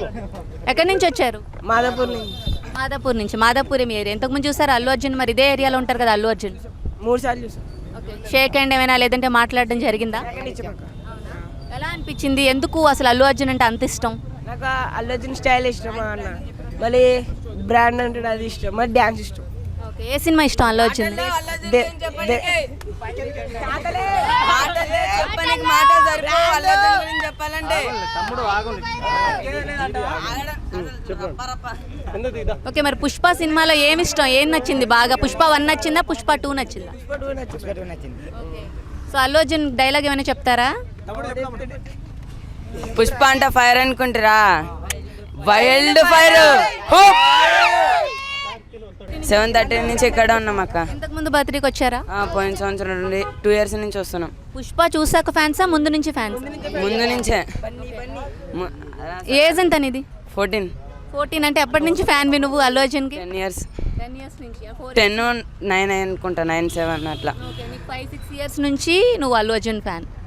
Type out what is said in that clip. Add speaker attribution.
Speaker 1: ఎక్కడి నుంచి వచ్చారు?
Speaker 2: మాదాపూర్ నుంచి.
Speaker 1: మాదాపూర్ నుంచి. మాదాపూర్ మీ ఏరియా. ఇంతకుముందు చూసారు అల్లు అర్జున్, మరి ఇదే ఏరియాలో ఉంటారు కదా అల్లు అర్జున్.
Speaker 2: 3 సార్లు చూసాను.
Speaker 1: ఓకే, షేక్ హ్యాండ్ ఏమైనా లేదంటే మాట్లాడడం జరిగిందా? ఎలా అనిపించింది? ఎందుకు అసలు అల్లు అర్జున్ అంటే అంత ఇష్టం?
Speaker 2: నాకు అల్లు అర్జున్ స్టైల్ ఇష్టం అన్న, మళ్ళీ బ్రాండ్ అంటే అది ఇష్టం, మరి డ్యాన్స్ ఇష్టం.
Speaker 1: ఓకే, ఏ సినిమా ఇష్టం అల్లు అర్జున్? ఓకే, మరి పుష్ప సినిమాలో ఏమి ఇష్టం, ఏం నచ్చింది బాగా? పుష్ప 1 నచ్చిందా, పుష్ప 2 నచ్చిందా? సో అల్లు అర్జున్ డైలాగ్ ఏమైనా చెప్తారా?
Speaker 3: పుష్ప అంటే ఫైర్ అనుకుంటారా, వైల్డ్ ఫైర్. 7:30 నుంచి ఇక్కడ ఉన్నాం అక్క.
Speaker 1: ఇంతకు ముందు బర్త్డేకి వచ్చారా?
Speaker 3: పోయిన సంవత్సరం నుండి 2 years నుంచి వస్తున్నాం.
Speaker 1: పుష్ప చూసాక ఫ్యాన్సా, ముందు నుంచి ఫ్యాన్స్?
Speaker 3: ముందు నుంచే.
Speaker 1: ఏజ్ ఎంత నీది?
Speaker 3: 14.
Speaker 1: 14 అంటే ఎప్పటి నుంచి ఫ్యాన్ నువ్వు అల్లు అర్జున్కి?
Speaker 3: 10 years.
Speaker 1: 10 years నుంచి.
Speaker 3: 10, 9 అనుకుంటా, 9, 7 అట్లా.
Speaker 1: ఓకే, నీకు 5-6 years నుంచి నువ్వు అల్లు అర్జున్ ఫ్యాన్.